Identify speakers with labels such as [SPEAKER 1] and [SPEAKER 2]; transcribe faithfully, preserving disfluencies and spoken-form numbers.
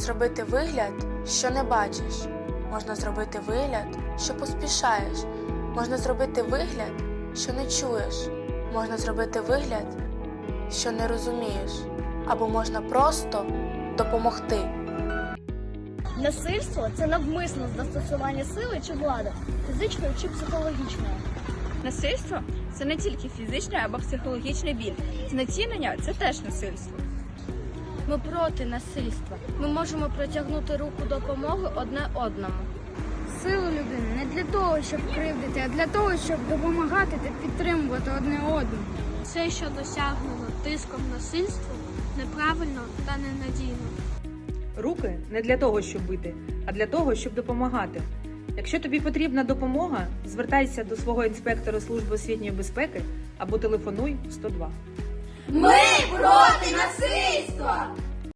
[SPEAKER 1] зробити вигляд, що не бачиш. Можна зробити вигляд, що поспішаєш. Можна зробити вигляд, що не чуєш. Можна зробити вигляд, що не розумієш. Або можна просто допомогти.
[SPEAKER 2] Насильство – це навмисне застосування сили чи влади, фізичної чи психологічної.
[SPEAKER 3] Насильство – це не тільки фізичний або психологічний біль. Знецінення – це теж насильство.
[SPEAKER 2] Ми проти насильства. Ми можемо протягнути руку допомоги одне одному.
[SPEAKER 4] Силу людини не для того, щоб кривдити, а для того, щоб допомагати та підтримувати одне одного.
[SPEAKER 2] Все, що досягнено тиском насильству, неправильно та ненадійно.
[SPEAKER 5] Руки не для того, щоб бити, а для того, щоб допомагати. Якщо тобі потрібна допомога, звертайся до свого інспектора Служби освітньої безпеки або телефонуй сто два.
[SPEAKER 6] Ми проти насильства!